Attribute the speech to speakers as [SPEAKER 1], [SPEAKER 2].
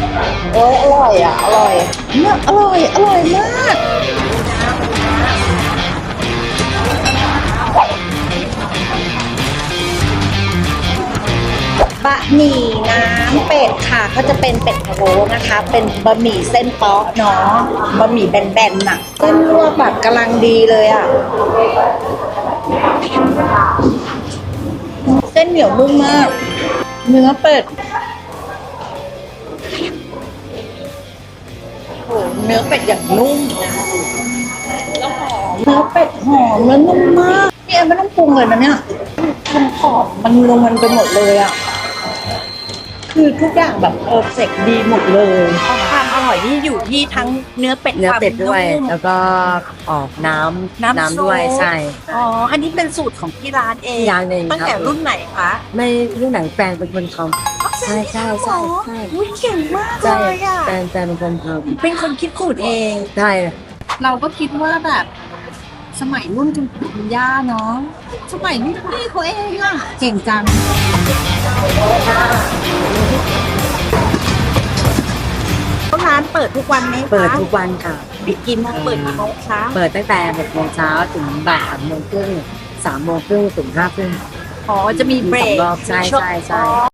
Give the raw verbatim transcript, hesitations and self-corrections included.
[SPEAKER 1] โอ้ยอร่อยอ่ะอร่อยเนี่ยอร่อยอร่อยมากบะหมี่น้ำเป็ดค่ะก็จะเป็นเป็ดพะโล้นะคะ เป็นบะหมี่เส้นป๊อกเนาะบะหมี่แบนๆน่ะเส้นลวกแบบกำลังดีเลยอ่ะเส้นเหนียวนุ่มมากเนื้อเป็ดโอ้เนื้อเป็ดอย่างนุ่มแล้วหอมเนื้อเป็ดหอมแล้วนุ่มมากพี่แอนไม่ต้องปรุงเลยนะเนี่ยมันหอมมันลงมันไปหมดเลยอ่ะคือทุกอย่างแบบเพอร์เฟกต์ดีหมดเลยความอร่อยที่อยู่ที่ทั้งเนื้อเป็ด
[SPEAKER 2] เนื้อเป็ดด้วย
[SPEAKER 1] ความนุ่ม
[SPEAKER 2] แล้วก็ออกน้ำ
[SPEAKER 1] น้ำ
[SPEAKER 2] น้ำด้วย
[SPEAKER 1] ซุป
[SPEAKER 2] ใช่
[SPEAKER 1] อ๋ออันนี้เป็นสูตรของที่ร้านเอง
[SPEAKER 2] ที่ร้านเอง
[SPEAKER 1] ตั้งแต่
[SPEAKER 2] ครับ
[SPEAKER 1] รุ่นไหนคะ
[SPEAKER 2] ไม่รุ่นไหนแฟนเป็นคนทำใช่ใช่ใช่ใช่
[SPEAKER 1] อุ้ยเก่งมาก
[SPEAKER 2] ใช่
[SPEAKER 1] เลยอ่ะ
[SPEAKER 2] แฟนแฟนเป็นคนท
[SPEAKER 1] เป็นคนคิดสูตรเอง
[SPEAKER 2] ำใช่
[SPEAKER 1] เราก็คิดว่าแบบสมัยรุ่นคุณปู่คุณย่าเนาะสมัยรุ่นพี่เขาเองอะเก่งจังร้านเปิดทุกวันไหมคะ
[SPEAKER 2] เปิดทุกวันค่ะ
[SPEAKER 1] ปิดกี่โมงเปิดกี่โมงคะ
[SPEAKER 2] เปิดตั้งแต่หกโมงเช้าถึงบ่ายสามโมงครึ่งสามโมงครึ่งถึงห้าครึ่ง
[SPEAKER 1] อ๋อจะมีเบร
[SPEAKER 2] มีส
[SPEAKER 1] ก
[SPEAKER 2] องรอบใช่
[SPEAKER 1] ช่วง
[SPEAKER 2] ใช่ใช่
[SPEAKER 1] อ๋อ